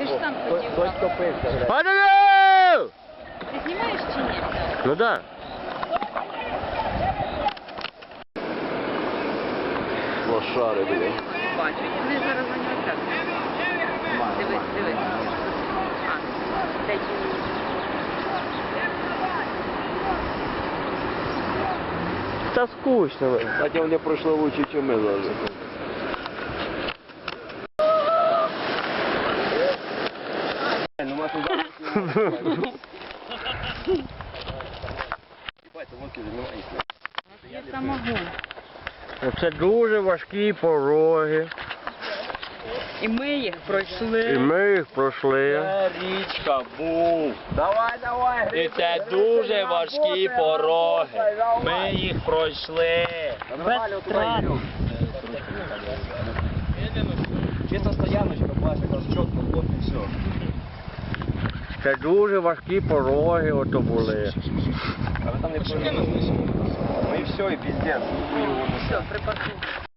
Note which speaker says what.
Speaker 1: Ти ж сам хотів.
Speaker 2: Падаю!
Speaker 1: Ти знімаєш чи ні?
Speaker 2: Ну да.
Speaker 3: Лошари, блядь.
Speaker 1: Бачу. Вони зараз на нього трапляють. Дивись. А, дай мені.
Speaker 2: Та скучно.
Speaker 3: Хотя вони пройшли лучше, ніж ми зараз. Ну, ми туди.
Speaker 1: Я самогон.
Speaker 2: Це дуже важкі пороги.
Speaker 1: І ми їх
Speaker 2: І
Speaker 1: пройшли.
Speaker 2: ми їх пройшли.
Speaker 4: Це річка був.
Speaker 3: Давай.
Speaker 4: І це дуже важкі пороги. Ми їх пройшли.
Speaker 3: Без втрат. Чисто стояночка, бачиш, якраз чітко, хлоп, і все.
Speaker 2: Це дуже важкі пороги ото були.
Speaker 3: Але там не повинно. Ну і все, і піздець.
Speaker 1: Все, припаркуй.